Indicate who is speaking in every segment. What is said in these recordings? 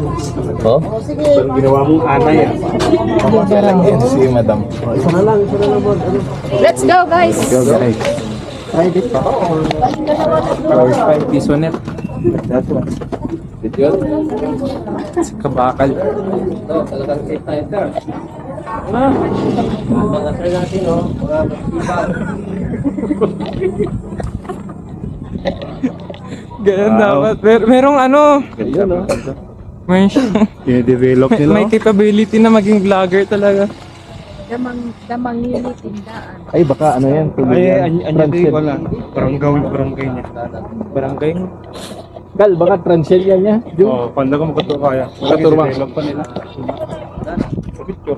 Speaker 1: Oh?
Speaker 2: Pero ginawa mong anay ah.
Speaker 1: Kamusta lang yan si madam.
Speaker 2: Isa na lang board.
Speaker 3: Let's go, guys!
Speaker 1: Go guys.
Speaker 2: Private pa.
Speaker 1: Power 5 piso net.
Speaker 2: That one.
Speaker 1: Video. Si Kabakal. Ganun dapat. Merong ano.
Speaker 2: Ganyan no?
Speaker 1: May,
Speaker 2: I-develop nila.
Speaker 1: may capability na maging vlogger talaga.
Speaker 3: Damang yun tindaan.
Speaker 2: Ay baka ano yan.
Speaker 4: Anya di wala. Barangay niya.
Speaker 1: Barangay.
Speaker 2: Gal, baka transient yan niya.
Speaker 4: Oh, panda ko magkato kaya.
Speaker 2: Katurma.
Speaker 4: Develop pa nila. Picture.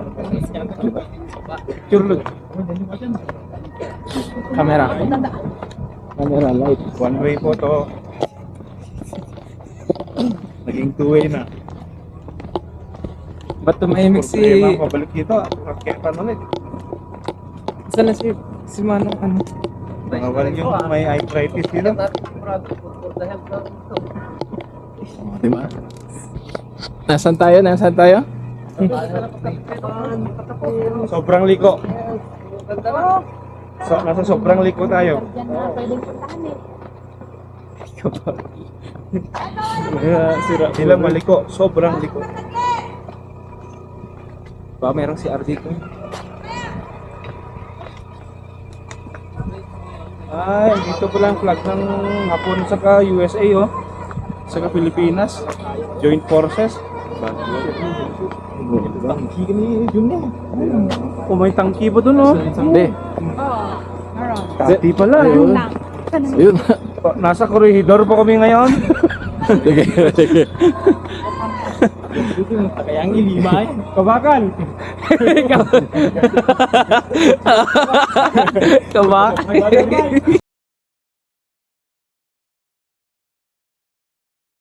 Speaker 4: Picture look.
Speaker 1: Camera.
Speaker 2: Camera light.
Speaker 4: One way po to. Naging two way na.
Speaker 1: Ba't tumahimik si...
Speaker 4: Problema, pabalik dito. Kaya paano ulit?
Speaker 1: Saan na si Manong ano?
Speaker 4: Nakawala yung may arthritis dito.
Speaker 2: Diba? Nasaan tayo? Nasaan tayo?
Speaker 4: Sobrang liko. Nasa sobrang liko tayo.
Speaker 3: Diyan na pwedeng puntahan eh.
Speaker 4: Sila maliko. Sobrang liko.
Speaker 1: Baka merong si RD ko.
Speaker 4: Ay, dito pala ang flag ng Hapon saka USA oh. Saka Pilipinas. Joint Forces. Tangki ka ni Jun. Oh, may tangki pa dun oh.
Speaker 2: Hindi.
Speaker 4: Tangki pala yun.
Speaker 2: Ayun.
Speaker 4: Nasa corridor pa kami ngayon.
Speaker 2: Sige, sige.
Speaker 1: Kaya ang ilima eh.
Speaker 4: Kabakal.
Speaker 1: Kabakal.